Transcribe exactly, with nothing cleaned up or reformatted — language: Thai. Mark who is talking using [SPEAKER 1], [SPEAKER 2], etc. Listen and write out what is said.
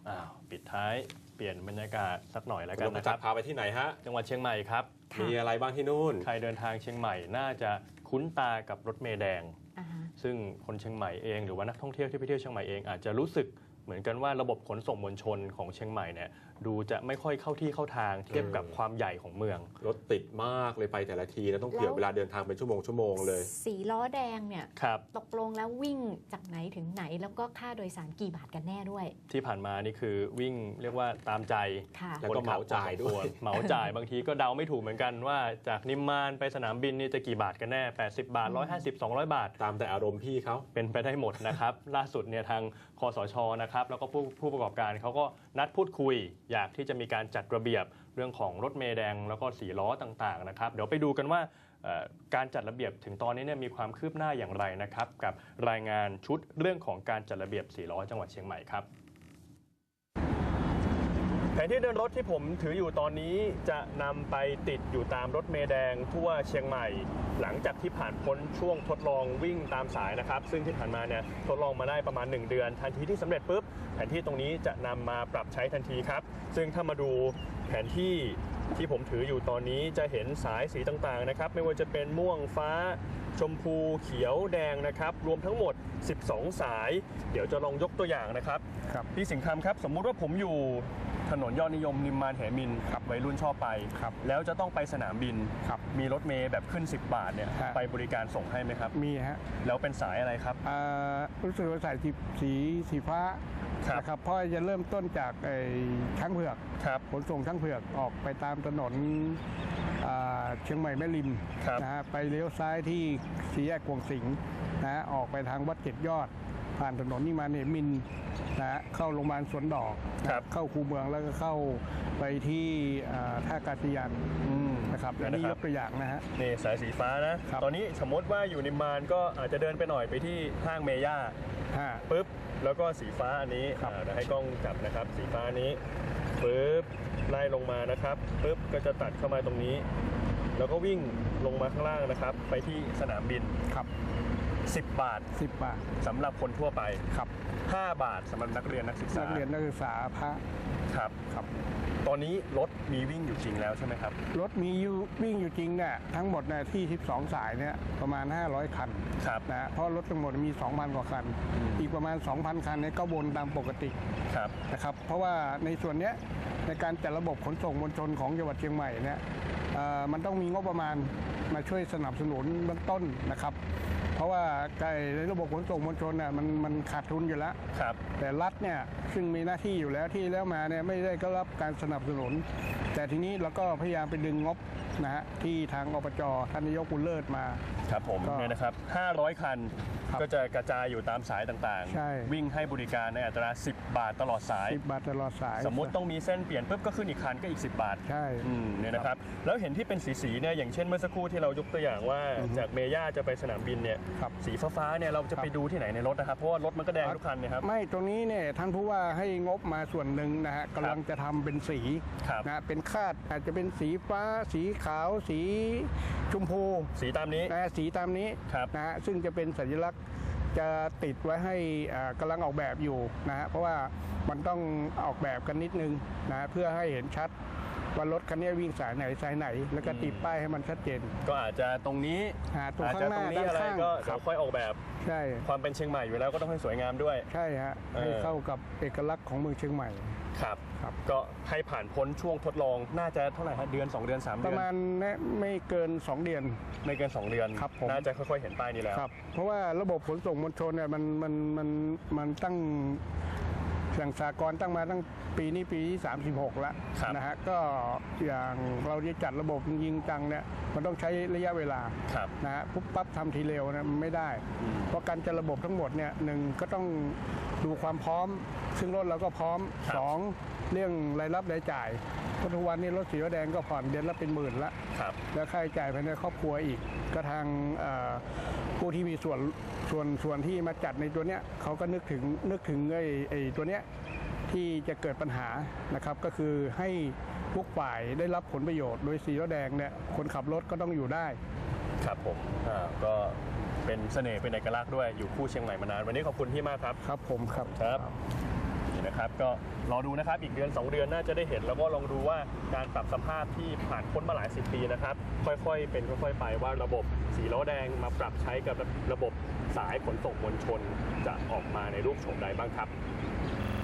[SPEAKER 1] อ้าวปิดท้ายเปลี่ยนบรรยากาศสักหน่อยแล้วกันนะครับ
[SPEAKER 2] พาไปที่ไหนฮะ
[SPEAKER 1] จังหวัดเชียงใหม่ครับ
[SPEAKER 2] มีอะไรบ้างที่นู่น
[SPEAKER 1] ใครเดินทางเชียงใหม่น่าจะคุ้นตากับรถเมล์แดงซึ่งคนเชียงใหม่เองหรือว่านักท่องเที่ยวที่ไปเที่ยวเชียงใหม่เองอาจจะรู้สึกเหมือนกันว่าระบบขนส่งมวลชนของเชียงใหม่เนี่ยดูจะไม่ค่อยเข้าที่เข้าทางเทียบกับความใหญ่ของเมือง
[SPEAKER 2] รถติดมากเลยไปแต่ละทีแล้วต้องเผื่อเวลาเดินทางเป็นชั่วโมงชั่วโมงเลย
[SPEAKER 3] สีล้อแดงเนี่ยตกลงแล้ววิ่งจากไหนถึงไหนแล้วก็ค่าโดยสารกี่บาทกันแน่ด้วย
[SPEAKER 1] ที่ผ่านมานี่คือวิ่งเรียกว่าตามใจ
[SPEAKER 2] แล้วก็เหมาจ่ายด้วย
[SPEAKER 1] เหมาจ่ายบางทีก็เดาไม่ถูกเหมือนกันว่าจากนิมมานไปสนามบินนี่จะกี่บาทกันแน่แปดสิบบาทหนึ่งร้อยห้าสิบ สองร้อยบาท
[SPEAKER 2] ตามแต่อารมณ์พี่เขา
[SPEAKER 1] เป็นไปได้หมดนะครับล่าสุดเนี่ยทางคสช.นะครับแล้วก็ผู้ผู้ประกอบการเขาก็นัดพูดคุยอยากที่จะมีการจัดระเบียบเรื่องของรถเมล์แดงแล้วก็สีล้อต่างๆนะครับเดี๋ยวไปดูกันว่าการจัดระเบียบถึงตอนนี้เนี่ยมีความคืบหน้าอย่างไรนะครับกับรายงานชุดเรื่องของการจัดระเบียบสีล้อจังหวัดเชียงใหม่ครับแผนที่เดินรถที่ผมถืออยู่ตอนนี้จะนำไปติดอยู่ตามรถเมล์แดงทั่วเชียงใหม่หลังจากที่ผ่านพ้นช่วงทดลองวิ่งตามสายนะครับซึ่งที่ผ่านมาเนี่ยทดลองมาได้ประมาณหนึ่งเดือนทันทีที่สำเร็จปุ๊บแผนที่ตรงนี้จะนำมาปรับใช้ทันทีครับซึ่งถ้ามาดูแผนที่ที่ผมถืออยู่ตอนนี้จะเห็นสายสีต่างๆนะครับไม่ว่าจะเป็นม่วงฟ้าชมพูเขียวแดงนะครับรวมทั้งหมดสิบสองสายเดี๋ยวจะลองยกตัวอย่างนะครับครับพี่สิงห์คำครับสมมุติว่าผมอยู่ถนนยอดนิยมนิมมานแหมินครับวัยรุ่นชอบไปครับแล้วจะต้องไปสนามบินครับมีรถเมล์แบบขึ้นสิบบาทเนี่ยไปบริการส่งให้ไหมครับ
[SPEAKER 4] มีฮะ
[SPEAKER 1] แล้วเป็นสายอะไรครับ
[SPEAKER 4] รู้สึกว่าสายสีสีฟ้านะครับเพราะจะเริ่มต้นจากช้างเผือกขนส่งช้างเผือกออกไปตามถนนเชียงใหม่แม่ริมนะฮะไปเลี้ยวซ้ายที่สี่แยกกวงสิงห์นะฮะออกไปทางวัดเจ็ดยอดผ่านถนนนิมมานเหมินนะฮะเข้าโรงพยาบาลสวนดอกเข้าคูเมืองแล้วก็เข้าไปที่ท่าอากาศยานนะครับอันนี้ยกตัวอย่างนะฮะ
[SPEAKER 1] นี่สายสีฟ้านะตอนนี้สมมติว่าอยู่นิมมานก็อาจจะเดินไปหน่อยไปที่ห้างเมย่าปุ๊บแล้วก็สีฟ้าอันนี้เดี๋ยวให้กล้องจับนะครับสีฟ้านี้ปุ๊บไล่ลงมานะครับปุ๊บก็จะตัดเข้ามาตรงนี้แล้วก็วิ่งลงมาข้างล่างนะครับไปที่สนามบิน
[SPEAKER 4] ครับ
[SPEAKER 1] สิบบาท
[SPEAKER 4] สิบบาท
[SPEAKER 1] สำหรับคนทั่วไป
[SPEAKER 4] ครับ
[SPEAKER 1] ห้าบาทสำหรับนักเรียนนักศึกษา
[SPEAKER 4] นักเรียนนักศึกษาพระ
[SPEAKER 1] ครับ
[SPEAKER 4] ครับ
[SPEAKER 1] ตอนนี้รถมีวิ่งอยู่จริงแล้วใช่ไหมครับ
[SPEAKER 4] รถมีอยู่วิ่งอยู่จริงเนี่ยทั้งหมดเนี่ยที่สิบสองสายเนี่ยประมาณห้าร้อยคัน
[SPEAKER 1] ครับ
[SPEAKER 4] นะเพราะรถทั้งหมดมี สองพัน กว่าคันอีกประมาณ สองพัน คันเนี่ยก็วนตามปกติ
[SPEAKER 1] ครับ
[SPEAKER 4] นะครับเพราะว่าในส่วนเนี้ยในการจัดระบบขนส่งมวลชนของจังหวัดเชียงใหม่เนี่ยมันต้องมีงบประมาณมาช่วยสนับสนุนเบื้องต้นนะครับเพราะว่าในระบบขนส่งมวลชนเนี่ยมันมันขาดทุนอยู่แล้ว
[SPEAKER 1] ครับ
[SPEAKER 4] แต่รัฐเนี่ยซึ่งมีหน้าที่อยู่แล้วที่แล้วมาเนี่ยไม่ได้ก็รับการสนับสนุนแต่ทีนี้เราก็พยายามไปดึงงบนะฮะที่ทางอบจ.ท่านนายกบุญเลิศมา
[SPEAKER 1] ครับผมเนี่ยนะครับห้าร้อยคันก็จะกระจายอยู่ตามสายต่างๆวิ่งให้บริการในอัตราสิบบาทตลอดสาย
[SPEAKER 4] สิบบาทตลอดสาย
[SPEAKER 1] สมมุติต้องมีเส้นเปลี่ยนปุ๊บก็ขึ้นอีกคันก็อีกสิบบาท
[SPEAKER 4] ใช่
[SPEAKER 1] เนี่ยนะครับแล้วเห็นที่เป็นสีๆเนี่ยอย่างเช่นเมื่อสักครู่ที่เรายกตัวอย่างว่าจากเมย่าจะไปสนามบินเนี่ยสีฟ้าๆเนี่ยเราจะไปดูที่ไหนในรถนะครับเพราะว่ารถมันก็แดงทุกคันนะครับ
[SPEAKER 4] ไม่ตรงนี้เนี่ยท่านผู้ว่าให้งบมาส่วนหนึ่งนะฮะกำลังจะทำเป็นสีนะเป็นคาดอาจจะเป็นสีฟ้าสีขาวสีชมพู
[SPEAKER 1] สีตามนี้
[SPEAKER 4] นะสีตามนี้นะฮะซึ่งจะเป็นสัญลักษณ์จะติดไว้ให้กำลังออกแบบอยู่นะฮะเพราะว่ามันต้องออกแบบกันนิดนึงนะเพื่อให้เห็นชัดว่ารถคันนี้วิ่งสายไหนสายไหนแล้วก็ติดป้ายให้มันชัดเจน
[SPEAKER 1] ก็อาจจะตรงนี้
[SPEAKER 4] ตรงข้างหน้าด้านข้าง
[SPEAKER 1] ก็เดี๋ยวค่อยออกแบบ
[SPEAKER 4] ใช่
[SPEAKER 1] ความเป็นเชียงใหม่อยู่แล้วก็ต้องให้สวยงามด้วย
[SPEAKER 4] ใช่ฮะให้เข้ากับเอกลักษณ์ของเมืองเชียงใหม่
[SPEAKER 1] ครับก็ให้ผ่านพ้นช่วงทดลองน่าจะเท่าไหร่ฮะเดือนสองเดือนสามเดือน
[SPEAKER 4] ประมาณไม่เกินสองเดือน
[SPEAKER 1] ไม่เกินสองเดือน
[SPEAKER 4] ครับ
[SPEAKER 1] น่าจะค่อยๆเห็นป้ายนี้แล้ว
[SPEAKER 4] ครับเพราะว่าระบบขนส่งมวลชนเนี่ยมันมันมันมันตั้งอย่างสากลตั้งมาตั้งปีนี้ปีที่สามสิบหกแล้วนะฮะก็อย่างเราจะจัดระบบยิงจังเนี่ยมันต้องใช้ระยะเวลานะฮะปุ๊บปั๊บทำทีเร็วนะไม่ได้เพราะการจัดระบบทั้งหมดเนี่ยหนึ่งก็ต้องดูความพร้อมซึ่งรถเราก็พร้อมสองเรื่องรายรับรายจ่ายเพราะทุกวันนี้รถสีแดงก็ผ่อนเดือนละเป็นหมื่นละแล้วค่าใช้จ่ายภายในครอบครัวอีกก็ทางผู้ที่มีส่วนส่วนส่วนที่มาจัดในตัวเนี้ยเขาก็นึกถึงนึกถึงไอ้ไอ้ตัวเนี้ยที่จะเกิดปัญหานะครับก็คือให้ทุกฝ่ายได้รับผลประโยชน์โดยสีแดงเนี่ยคนขับรถก็ต้องอยู่ได้
[SPEAKER 1] ครับผมอ่าก็เป็นเสน่ห์เป็นเอกลักษณ์ด้วยอยู่คู่เชียงใหม่มานานวันนี้ขอบคุณพี่มากครับ
[SPEAKER 4] ครับผมครับ
[SPEAKER 1] ครับนี่นะครับนะครับก็รอดูนะครับอีกเดือนสองเดือนน่าจะได้เห็นแล้วก็ลองดูว่าการปรับสภาพที่ผ่านพ้นมาหลายสิบปีนะครับค่อยๆเป็นค่อยๆไปว่าระบบสีล้อแดงมาปรับใช้กับระบบสายขนส่งมวลชนจะออกมาในรูปโฉมใดบ้างครับ